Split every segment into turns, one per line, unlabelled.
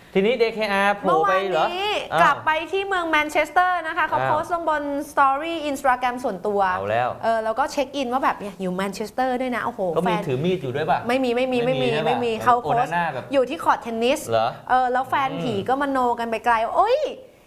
ทีนี้ DKR โผล่
เมื่อ
ไป
วาน
เหรอ
นี้กลับไปที่เมืองแมนเชสเตอร์นะคะเขาโพสต์ลงบนสตอรี่อินสตาแกรมส่วนตัว
เอาแล้ว
แล้วก็เช็คอินว่าแบบเนี่ยอยู่แมนเชสเตอร์ด้วยนะโอ้โห
ก็
แฟ
มี
น
ถือมีดอยู่ด้วยป่ะ
ไม่มี
ใช่ปะ
เขาโพส
โอ
ต์
นาน่าแบบ
อยู่ที่คอร์ตเทนนิส
เหรอ
แล้วแฟนผีก็มโนกันไปไกลโอ้ย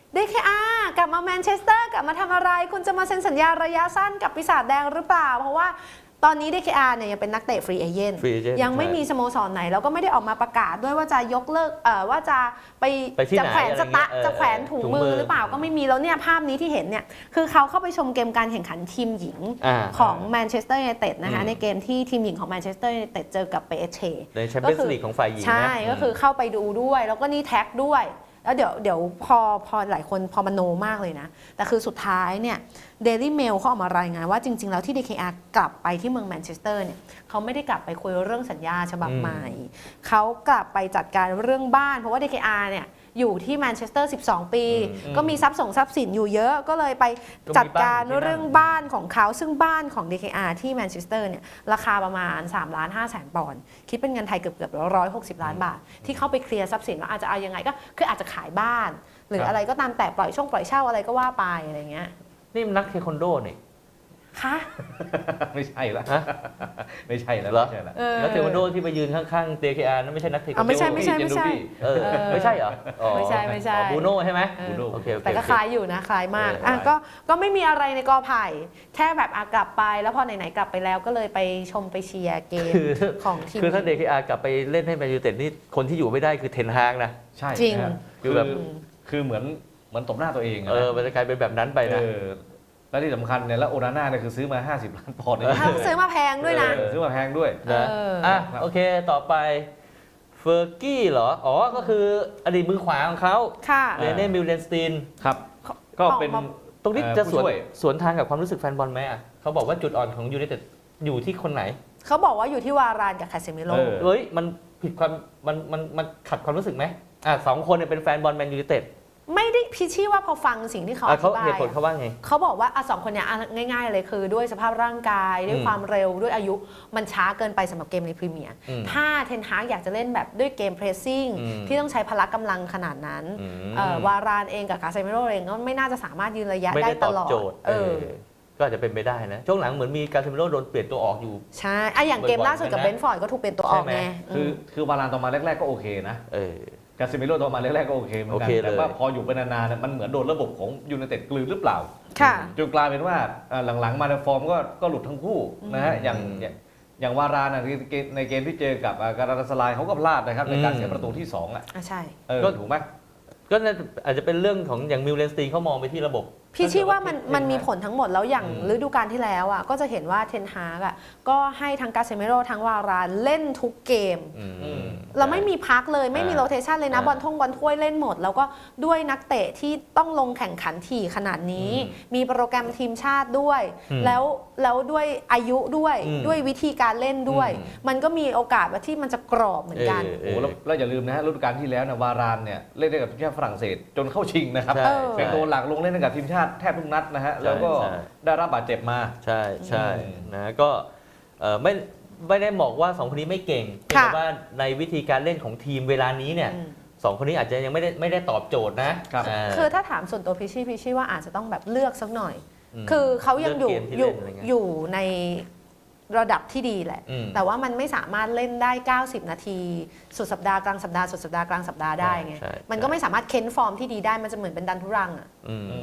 DKR กลับมาแมนเชสเตอร์กลับมาทำอะไรคุณจะมาเซ็นสัญญาระยะสั้นกับปีศาจแดงหรือเปล่าเพราะว่าตอนนี้ DKR เนี่ยยังเป็นนักเตะฟรีเอเจนต์
Free agent
ยังไม่มีสโมสรไหนแล้วก็ไม่ได้ออกมาประกาศด้วยว่าจะยกเลิกว่าจะไป
ที่
จะ
ไหน
แขวน
อะไร
สตะ
เงี้ย
จะแขวนถุงมือหรือเปล่าก็ไม่มีแล้วเนี่ยภาพนี้ที่เห็นเนี่ยคือเขาเข้าไปชมเกมการแข่งขันทีมหญิงของแมนเชสเตอร์ยูไนเต็ดนะคะในเกมที่ทีมหญิงของแมนเชสเตอร์ยูไนเต็ดเจอกับเปเช
ในแชมเปี้ยนส์ลีกของฝ่ายหญิงนะ
ใช่ก็คือเข้าไปดูด้วยแล้วก็นี่แท็กด้วยแล้วเดี๋ยวพอหลายคนพอมโนมากเลยนะแต่คือสุดท้ายเนี่ยเดลี่เมลเขาออกมารายงานว่าจริงๆแล้วที่ DKR กลับไปที่เมืองแมนเชสเตอร์เนี่ยเขาไม่ได้กลับไปคุยเรื่องสัญญาฉบับใหม่เขากลับไปจัดการเรื่องบ้านเพราะว่า DKR เนี่ยอยู่ที่แมนเชสเตอร์12 ปีก็มีทรัพย์สินอยู่เยอะก็เลยไปจัดการเรื่องบ้านของเขาซึ่งบ้านของ DKR ที่แมนเชสเตอร์เนี่ยราคาประมาณ3,500,000 ปอนด์คิดเป็นเงินไทยเกือบ160 ล้านบาทที่เข้าไปเคลียร์ทรัพย์สินแล้วอาจจะเอายังไงก็คืออาจจะขายบ้านหรืออะไรก็ตามแต่ปล่อยเช่าอะไรก็ว่าไปอะไรเงี้ย
นี่มันนักเทควันโดนี่
คะ
ไม่ใช่แล้ว
ฮะ
ไม่ใช่แล้ว
เหรอ
ไม่ใช่แล้ว
นักเทควันโดที่ไปยืนข้างๆ DKR นั่นไม่ใช่นักเทควันโด
ไม่ใช่
เจนดูบี้
ไม่ใช่เหรออ๋อ
ไม่ใช่
อ๋อบูโน่ใช่ไหม
บูโน่
โอเค
แต่ก็คล้ายอยู่นะคล้ายมาก
คล้าย
ก็ไม่มีอะไรในกอไผ่แค่แบบกลับไปแล้วพอไหนๆกลับไปแล้วก็เลยไปชมไปเชียร์เกมของทีม
คือถ้า DKR กลับไปเล่นให้แมนยูเต็ดนี่คนที่อยู่ไม่ได้คือเทนฮากนะ
ใช่
จริง
นะฮะ
คือแบบ
คือเหมือนตบหน้าตัวเองอะนะ
มันจะกลายเป็นแบบนั้นไปนะ
แล้วที่สำคัญเนี่ยแล้วโอนาน่าเนี่ยคือซื้อมา50 ล้านปอนด์เลย
ถ้าซื้อมาแพงด้วยนะ
ซื้อมาแพงด้วย
นะโอเคต่อไปเฟอร์กี้เหรออ๋อก็คืออดีตมือขวาของเขา
ค่ะ
เรเน่มิลเลนสตีน
ครับ ก็เป็น
ตรงนี้จะ
ผู้ช่วย
สวนทางกับความรู้สึกแฟนบอลไหมอ่ะเขาบอกว่าจุดอ่อนของยูไนเต็ดอยู่ที่คนไหน
เขาบอกว่าอยู่ที่วารานกับคาเซมิโร่
เฮ้ยมันผิดความมันขัดความรู้สึกไหมสองคนเนี่ยเป็นแฟนบอลแมนยูไนเต็ด
ไม่ได้พิชชี่ว่าพอฟังสิ่งที่เขาอธิ
เขา
บาย
เหตุผลเขาว่าไง
เขาบอกว่าสองคนเนี้ยง่ายๆเลยคือด้วยสภาพร่างกายด้วยความเร็วด้วยอายุมันช้าเกินไปสำหรับเกมในพรีเมียร์ถ้าเทนฮากอยากจะเล่นแบบด้วยเกมเพรสซิ่งที่ต้องใช้พละกำลังขนาดนั้นวารานเองกับคาเซมิโร่เองก็ไม่น่าจะสามารถยืนระยะ
ไม่
ได้
ได้
ต
ตอบ
ลอด
โจทย์ก็อาจจะเป็นไปได้นะช่วงหลังเหมือนมีการเซมิโร่โดนเปลี่ยนตัวออกอยู่
ใช่อย่างเกมล่าสุดกับเบนฟอร์ดก็ถูกเปลี่ยนตัวออกไง
คือวารานตอนมาแรกๆก็โอเคนะกาซิเมโร่ตอนมาแรกๆก็โอเคเหมือนกันแต่ว่าพออยู่ไปนานๆมันเหมือนโดนระบบของยูไนเต็ดกลืนหรือเปล่าจนกลายเป็นว่าหลังๆมาในฟอร์มก็หลุดทั้งคู่นะฮะอย่างวารานในเกมที่เจอกับการาตาสลายเขาก็พลาดนะครับในการเสียประตูที่2
ใช่
ก็ถูกไหม
ก็อาจจะเป็นเรื่องของอย่างมิลเลนสตีนเขามองไปที่ระบบ
พี่ชี้ว่ามันมีผลทั้งหมดแล้วอย่างฤดูกาลที่แล้วอ่ะก็จะเห็นว่าเทนฮากอ่ะก็ให้ทั้งกาเซเมโร่ทั้งวารานเล่นทุกเกมเราไม่มีพักเลยไม่มีโรเทชันเลยนะบอลถ้วยเล่นหมดแล้วก็ด้วยนักเตะที่ต้องลงแข่งขันถี่ขนาดนี้มีโปรแกรมทีมชาติด้วยแล้วด้วยอายุด้วยวิธีการเล่นด้วยมันก็มีโอกาสว่าที่มันจะกรอบเหมือนกัน
โอ้แล้วอย่าลืมนะฮะฤดูกาลที่แล้วนะวารานเนี่ยเล่นได้กับทีมชาติฝรั่งเศสจนเข้าชิงนะครับเป็นตัวหลักลงเล่นกับทีมชาติแทบทุกนัดนะฮะแล้วก็ได้รับบาดเจ็บมา
ใช่นะก็ไม่ได้บอกว่า2คนนี้ไม่เก่งแต่ว่าในวิธีการเล่นของทีมเวลานี้เนี่ย2คนนี้อาจจะยังไม่ได้ตอบโจทย์นะ
คือถ้าถามส่วนตัวพิชชี่ว่าอาจจะต้องแบบเลือกสักหน่อยคือเขายังอยู่ในระดับที่ดีแหละแต่ว่ามันไม่สามารถเล่นได้90นาทีสุดสัปดาห์กลางสัปดาห์สุดสัปดาห์กลางสัปดาห์ได้ไงมันก็ไม่สามารถเค้นฟอร์มที่ดีได้มันจะเหมือนเป็นดันทุรังอ่ะ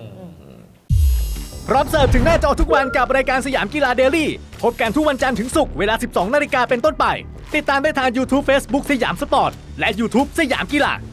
พร้อมเสิร์ฟถึงหน้าจอทุกวันกับรายการสยามกีฬาเดลี่พบกันทุกวันจันทร์ถึงศุกร์เวลา 12 นาฬิกาเป็นต้นไปติดตามได้ทาง YouTube Facebook สยามสปอร์ตและ YouTube สยามกีฬา